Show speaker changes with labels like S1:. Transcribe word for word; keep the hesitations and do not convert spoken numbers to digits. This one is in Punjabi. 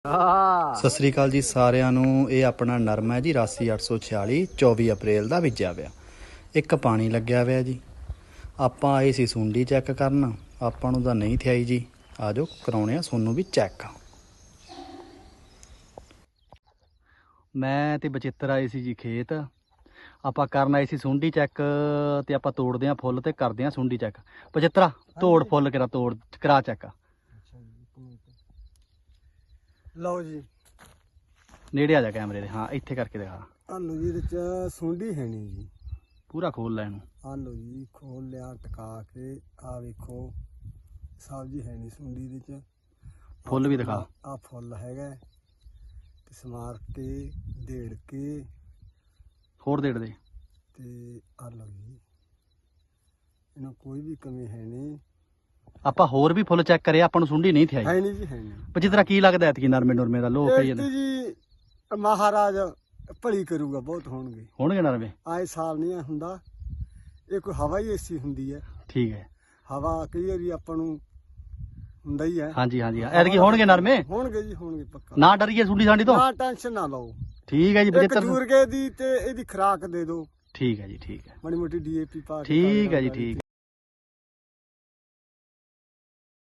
S1: ਸਤਿ ਸ੍ਰੀ ਅਕਾਲ ਜੀ ਸਾਰਿਆਂ ਨੂੰ। ਇਹ ਆਪਣਾ ਨਰਮਾ ਹੈ ਜੀ ਰਾਸੀ ਅੱਠ ਸੌ ਛਿਆਲੀ ਚੌਵੀ ਅਪ੍ਰੈਲ ਦਾ ਬੀਜਿਆ ਹੋਇਆ। ਇੱਕ ਪਾਣੀ ਲੱਗਿਆ ਹੋਇਆ ਜੀ। ਆਪਾਂ ਆਏ ਸੀ ਸੁੰਡੀ ਚੈੱਕ ਕਰਨ, ਆਪਾਂ ਨੂੰ ਤਾਂ ਨਹੀਂ ਥਿਆਈ ਜੀ। ਆ ਜਾਓ ਕਰਾਉਣੇ ਆ ਸੋਨੂੰ ਵੀ ਚੈੱਕ। ਮੈਂ ਤੇ ਬਚਿੱਤਰ ਆਏ ਸੀ ਜੀ ਖੇਤ। ਆਪਾਂ ਕਰਨ ਆਏ ਸੀ ਸੁੰਡੀ ਚੈੱਕ ਤੇ ਆਪਾਂ ਤੋੜਦੇ ਆ ਫੁੱਲ ਤੇ ਕਰਦੇ ਆ ਸੁੰਡੀ ਚੈੱਕ। ਬਚਿੱਤਰਾ ਤੋੜ ਫੁੱਲ ਕਰਾ, ਤੋੜ ਕਰਾ ਚੈੱਕ।
S2: ਲਓ ਜੀ
S1: ਨੇੜੇ ਆ ਜਾ ਕੈਮਰੇ ਦੇ। ਹਾਂ ਇੱਥੇ ਕਰਕੇ ਦਿਖਾ।
S2: ਆਲੂ ਜੀ ਇਹਦੇ ਚ ਸੁੰਡੀ ਹੈ ਨਹੀਂ ਜੀ।
S1: ਪੂਰਾ ਖੋਲ ਲੈ ਇਹਨੂੰ।
S2: ਆਲੂ ਜੀ ਖੋਲ ਲਿਆ ਟਕਾ ਕੇ। ਆ ਵੇਖੋ ਸਬਜ਼ੀ ਹੈ ਨਹੀਂ ਸੁੰਡੀ ਦੇ ਚ।
S1: ਫੁੱਲ ਵੀ ਦਿਖਾ।
S2: ਆ ਫੁੱਲ ਹੈਗਾ ਤੇ ਸਮਾਰ ਕੇ ਢੇੜ ਕੇ
S1: ਹੋਰ ਦੇੜ ਦੇ
S2: ਤੇ ਆਲੂ ਜੀ ਇਹਨਾਂ ਕੋਈ ਵੀ ਕਮੀ ਹੈ ਨਹੀਂ।
S1: ਆਪਾਂ ਹੋਰ ਵੀ ਫੁੱਲ ਚੈੱਕ ਕਰਿਆ, ਆਪਾਂ ਨੂੰ ਸੁੰਡੀ ਨਹੀਂ ਥਿਆਈ।
S2: ਹੈ ਨਹੀਂ ਜੀ, ਹੈ ਨਹੀਂ।
S1: ਪਰ ਜਿਸ ਤਰ੍ਹਾਂ ਕੀ ਲੱਗਦਾ ਐਤਕੀ ਨਰਮੇ ਨੁਰਮੇ ਦਾ ਲੋਕ ਕਹੀ ਜਾਂਦੇ
S2: ਜੀ ਮਹਾਰਾਜ ਭਲੀ ਕਰੂਗਾ, ਬਹੁਤ ਹੋਣਗੇ
S1: ਹੋਣਗੇ ਨਰਮੇ।
S2: ਆਏ ਸਾਲ ਨਹੀਂ ਹੁੰਦਾ, ਇਹ ਕੋਈ ਹਵਾ ਹੀ ਐਸੀ ਹੁੰਦੀ ਹੈ।
S1: ਠੀਕ ਹੈ।
S2: ਹਵਾ ਕਈ ਵਾਰੀ ਆਪਾਂ ਨੂੰ ਹੁੰਦਾ ਹੀ ਹੈ।
S1: ਹਾਂਜੀ ਹਾਂਜੀ ਐਤਕੀ ਹੋਣਗੇ ਨਰਮੇ।
S2: ਹੋਣਗੇ ਜੀ, ਹੋਣਗੇ ਪੱਕਾ।
S1: ਨਾ ਡਰੀਏ ਸੁੰਡੀ ਸਾਂਡੀ ਤੋਂ,
S2: ਨਾ ਟੈਨਸ਼ਨ ਨਾ ਲਓ।
S1: ਠੀਕ ਹੈ ਜੀ
S2: ਇੱਕ
S1: ਬਚਿੱਤਰ।
S2: ਜੂਰਗੇ ਦੀ ਤੇ ਇਹਦੀ ਖੁਰਾਕ ਦੇ ਦਿਓ।
S1: ਠੀਕ ਹੈ ਜੀ, ਠੀਕ ਹੈ।
S2: ਮਾੜੀ ਮੋਟੀ ਡੀ ਏ ਪੀ ਪਾ ਕੇ।
S1: ਠੀਕ ਹੈ ਜੀ, ਠੀਕ।